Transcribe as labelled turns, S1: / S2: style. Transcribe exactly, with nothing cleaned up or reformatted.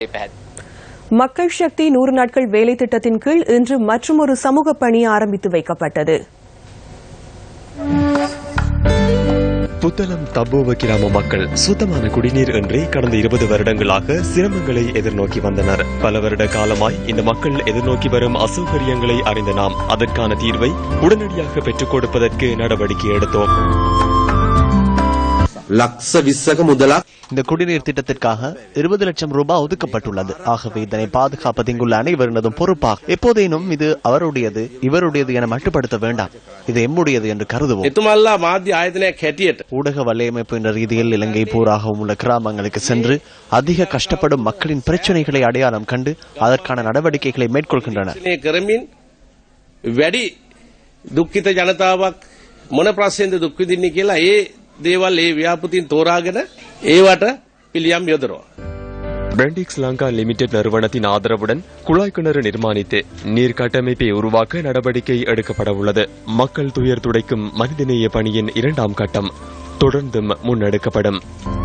S1: மக்கள் சக்தி நூறு நாட்கள் வேலை திட்டத்தின் கீழ் இன்று மற்றுமொரு சமூக பணி ஆரம்பித்து வைக்கப்பட்டது.
S2: புத்தளம் தப்போவ கிராம மக்கள் சுத்தமான குடிநீர் இன்றி கடந்த இருபது வருடங்களாக சிரமங்களை எதிர்நோக்கி வந்தனர். பல வருட காலமாய் இந்த மக்கள் எதிர்நோக்கி வரும் அசௌகரியங்களை அறிந்த நாம் அதற்கான தீர்வை உடனடியாக பெற்றுக் கொடுப்பதற்கு நடவடிக்கை எடுத்தோம்.
S3: இந்த குடிநீர் திட்டத்திற்காக இருபது லட்சம் ரூபாய் ஒதுக்கப்பட்டுள்ளது. ஆகவே இதனை பாதுகாப்பது இங்குள்ள அனைவரினதும் பொறுப்பாக எப்போதேனும் இது அவருடையது இவருடையது என மட்டுப்படுத்த வேண்டாம். இது எம்முடையது என்று கருதுவோம். ஊடக வலையமைப்பு என்ற ரீதியில் இலங்கை பூராகவும் உள்ள கிராமங்களுக்கு சென்று அதிக கஷ்டப்படும் மக்களின் பிரச்சனைகளை அடையாளம் கண்டு அதற்கான நடவடிக்கைகளை மேற்கொள்கின்றனர்.
S4: දේවල් ඒ ව්‍යාපෘතින් තෝරාගෙන ඒවට පිළියම් යොදනවා.
S2: பிரெண்டிக்ஸ் லங்கா லிமிடெட் நிறுவனத்தின் ஆதரவுடன் குழாய் கிணறு நிர்மாணித்து நீர் கட்டமைப்பை உருவாக்க நடவடிக்கை எடுக்கப்பட உள்ளது. மக்கள் துயர் துடைக்கும் மனிதநேய பணியின் இரண்டாம் கட்டம் தொடர்ந்தும் முன்னெடுக்கப்படும்.